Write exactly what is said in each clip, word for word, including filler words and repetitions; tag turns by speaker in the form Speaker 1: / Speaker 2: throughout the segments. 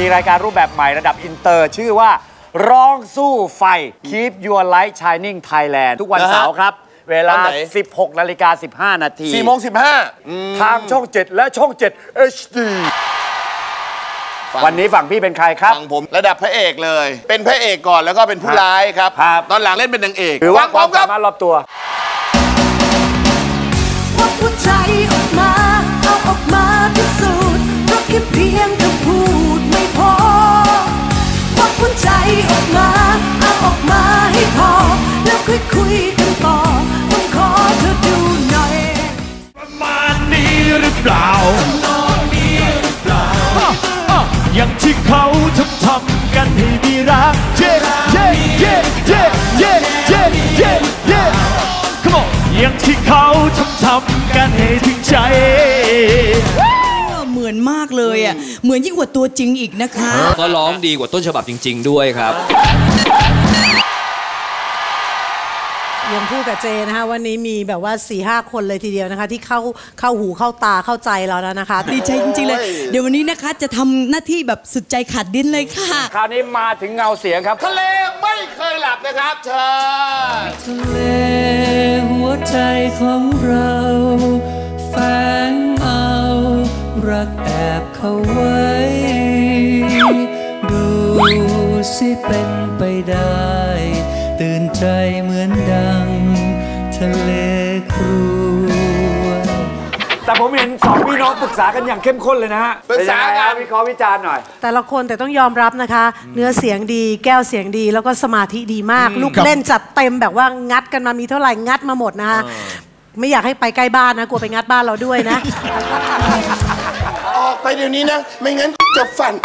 Speaker 1: มีรายการรูปแบบใหม่ระดับอินเตอร์ชื่อว่าร้องสู้ไฟ Keep Your Light Shining Thailand ทุกวันเสาร์ครับเวลา สิบหกนาฬิกาสิบห้า นาที
Speaker 2: สี่โมงสิบห้า
Speaker 1: ทางช่องเจ็ดและช่องเจ็ด เอช ดี วันนี้ฝั่งพี่เป็นใครครับ
Speaker 2: ฝั่งผมระดับพระเอกเลยเป็นพระเอกก่อนแล้วก็เป็นผู้ร้ายครับตอนหลังเล่นเป็นนางเอก
Speaker 1: หรือว่าความสามารถรอบตัว
Speaker 3: วัดหัวใจออกมาเอาออกมาพิสูจน์เพราะแค่เพียงคำพูดไม่พอวัดหัวใจออกมาเอาออกมาให้พอแล้วค่อยคุยกันต่อต้องขอเธอดูหน่อย
Speaker 4: ประมาณนี้หรือเปล่าอย่างที่เขาทำทำกันให้มีรักเย่เย่เย่เย่เย่เย่เย่เย่ Come on อย่างที่เขาทำทำกันให้ถึงใจ
Speaker 5: เหมือนมากเลยอ่ะเหมือนยิ่งกว่าตัวจริงอีกนะคะ
Speaker 6: ก็ร้องดีกว่าต้นฉบับจริงๆด้วยครับ
Speaker 7: ยังพูดกับเจนะคะวันนี้มีแบบว่า สี่ห้า คนเลยทีเดียวนะคะที่เข้าเข้าหูเข้าตาเข้าใจเราแล้วนะคะ
Speaker 5: ดีใจจริงๆเลยเดี๋ยววันนี้นะคะจะทำหน้าที่แบบสุดใจขาดดิ้นเลยค่ะ
Speaker 1: คราวนี้มาถึงเงาเสียงครับ
Speaker 2: ทะเลไม่เคยหลับนะครับเชิญ
Speaker 3: ทะเลหัวใจของเราแฝงเอารักแอบเข้าไว้ดูสิเป็นไปได้ตื่นใจเหมือนดังทะเลครวญ
Speaker 1: แต่ผมเห็นสองพี่น้องปรึกษากันอย่างเข้มข้นเลยนะฮะ
Speaker 2: ปรึกษากัน
Speaker 1: วิเคราะห์วิจารณ์หน่อย
Speaker 7: แต่ละคนแต่ต้องยอมรับนะคะเนื้อเสียงดีแก้วเสียงดีแล้วก็สมาธิดีมากลูกเล่นจัดเต็มแบบว่างัดกันมามีเท่าไหร่งัดมาหมดนะคะไม่อยากให้ไปใกล้บ้านนะกลัวไปงัดบ้านเราด้วยนะ
Speaker 2: ออกไปเดี๋ยวนี้นะไม่งั้นจะฟัน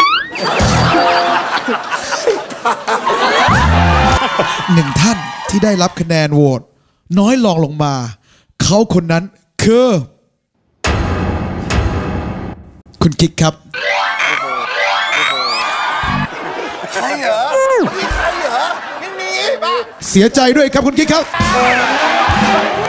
Speaker 8: หนึ่งท่านที่ได้รับคะแนนโหวตน้อยรองลงมาเขาคนนั้นคือคุณคิกครับ
Speaker 2: ใครเหรอใครเหรอไม่มีป่ะ
Speaker 8: เสียใจด้วยครับคุณคิกครับ